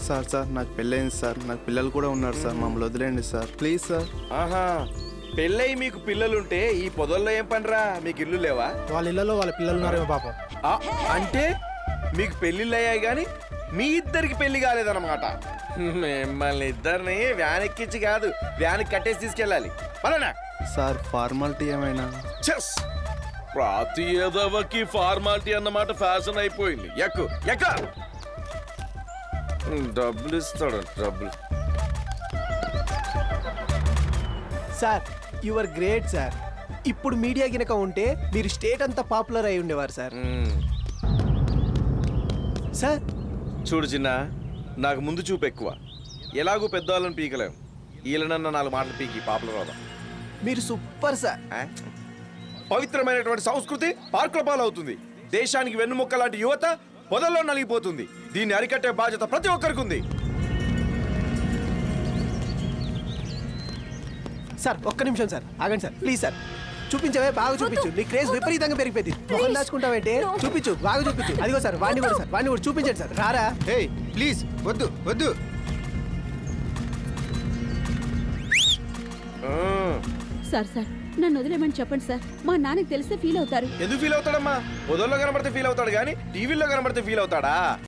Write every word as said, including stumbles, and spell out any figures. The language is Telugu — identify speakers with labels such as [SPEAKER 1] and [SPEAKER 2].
[SPEAKER 1] సార్ సార్ నాకు పెళ్ళైంది సార్, నాకు పిల్లలు కూడా ఉన్నారు సార్, మమ్మల్ని వదిలేండి సార్ ప్లీజ్ సార్.
[SPEAKER 2] ఆహా, పెళ్ళై మీకు పిల్లలుంటే ఈ పొదల్లో ఏం పనిరా? మీకు ఇల్లు లేవా?
[SPEAKER 3] వాళ్ళ ఇళ్లలో వాళ్ళ పిల్లలు ఉన్నారేమో పాపం.
[SPEAKER 2] ఆ, అంటే మీకు పెళ్ళిళ్ళు అయ్యాయి కానీ మీ ఇద్దరికి పెళ్లి కాలేదన్నమాట. మిమ్మల్ని ఇద్దరిని వ్యాన్ ఎక్కించి కాదు, వ్యాన్ కట్టేసి తీసుకెళ్ళాలి. పలానా
[SPEAKER 1] సార్ ఫార్మాలిటీ ఏమైనా?
[SPEAKER 2] చెస్ ప్రతి ఏదవకి ఫార్మాలిటీ అన్నమాట ఫ్యాషన్ అయిపోయింది. ఎక్కు ఎక్క డబ్బులు ఇస్తాడు డబ్బులు.
[SPEAKER 3] Sir your great sir. ఇప్పుడు మీడియా గినక ఉంటే మీరు స్టేట్ అంతా పాపులర్ అయి ఉండేవారు సార్.
[SPEAKER 2] మ్మ్.
[SPEAKER 3] సార్
[SPEAKER 2] చూడు చిన్న, నాకు ముందు చూపు ఎక్కువ. ఎలాగూ పెద్దవాళ్ళని పీకలేం. వీళ్ళనన్న నాలుగు మాటలు పీకి పాపులర్ అవుదాం.
[SPEAKER 3] మీరు సూపర్ సార్.
[SPEAKER 2] ఆ? పవిత్రమైనటువంటి సంస్కృతి పార్కుల పాలవుతుంది. దేశానికి వెన్నుముక్క లాంటి యువత పొదల్లో నలిగిపోతుంది. దీన్ని అరికట్టే బాధ్యత ప్రతి ఒక్కరికి ఉంది.
[SPEAKER 3] సార్ ఒక్క నిమిషం సార్, ఆగండి సార్ ప్లీజ్ సార్. చూపించవే, బాగా చూపించు. నీ క్రేజ్ విపరీతంగా పెరిగిపోయింది. మొహం దాచుకుంటావంటే చూపించు, బాగా చూపించు. అదిగో సార్, వాడిని కూడా సార్, వాడిని కూడా చూపించండి సార్. రారా?
[SPEAKER 1] హే ప్లీజ్ వద్దు వద్దు.
[SPEAKER 2] ఆ.
[SPEAKER 4] సార్ సార్ నన్ను వదిలేమని చెప్పండి సార్, మా నాన్నకి తెలిస్తే ఫీల్ అవుతారు.
[SPEAKER 2] ఎందుకు ఫీల్ అవుతాడమ్మా? పొదల్లో కనబడితే ఫీల్ అవుతాడు కానీ టీవీలో కనబడితే ఫీల్ అవుతాడా?